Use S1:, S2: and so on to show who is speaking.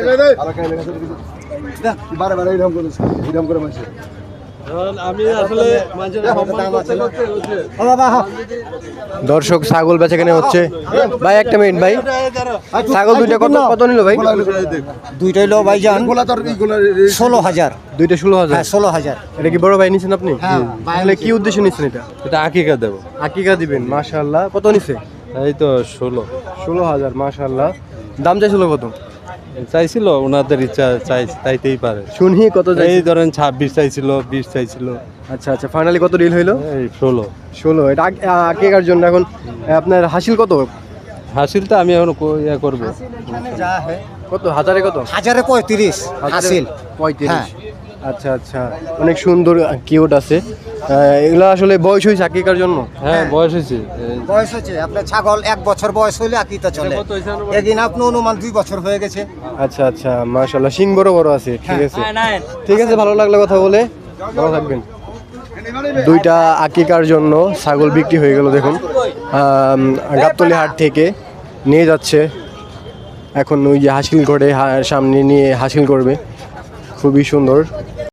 S1: দর্শক ছাগল বেচাকেনা হচ্ছে ভাই। একটা মিনিট ভাই, ছাগল দুইটা কত নিল ভাই?
S2: দুইটা হলো ভাইজান 16,000।
S1: দুইটা 16,000?
S2: 16,000।
S1: এটা কি বড় ভাই নিছেন আপনি? তাহলে কি উদ্দেশ্যে নিছেন এটা?
S3: এটা আকিকা দেবো।
S1: আকিকা দিবেন, মাশাআল্লাহ। কত নিছে?
S3: এই তো 16,000।
S1: মাশাআল্লাহ। দাম চাইছিল কত?
S3: চাইছিল ওনাদের ইচ্ছা, চাইতেই পারে।
S1: শুনি কত চাই?
S3: এই ধরেন 26 চাইছিল, 20 চাইছিল।
S1: আচ্ছা আচ্ছা, ফাইনালি কত ডিল হইলো?
S3: এই 16।
S1: এটা আকিকার জন্য। এখন আপনার হাসিল কত?
S3: হাসিলটা আমি এখন ইয়া করবো।
S1: কত হাজারে? কত
S2: 1035 হাসিল
S1: 35। আচ্ছা আচ্ছা, অনেক সুন্দর কিউট আছে। এগুলো আসলে বয়স হয়েছে আকিকার জন্য?
S3: হ্যাঁ বয়স হয়েছে।
S2: বয়স হচ্ছে আপনার ছাগল 1 বছর বয়স হইলে আকিতা চলে। এদিন আপনি অনুমান 2 বছর হয়ে গেছে।
S1: আচ্ছা আচ্ছা, মাশাআল্লাহ। সিং বড় বড় আছে। ঠিক আছে ঠিক আছে, ভালো লাগলো কথা বলে। ভালো থাকবেন। দুইটা আকিকার জন্য ছাগল বিক্রি হয়ে গেল। দেখুন গাবতলী হাট থেকে নিয়ে যাচ্ছে, এখন ওই যে হাসিল করে সামনে নিয়ে হাসিল করবে। খুবই সুন্দর।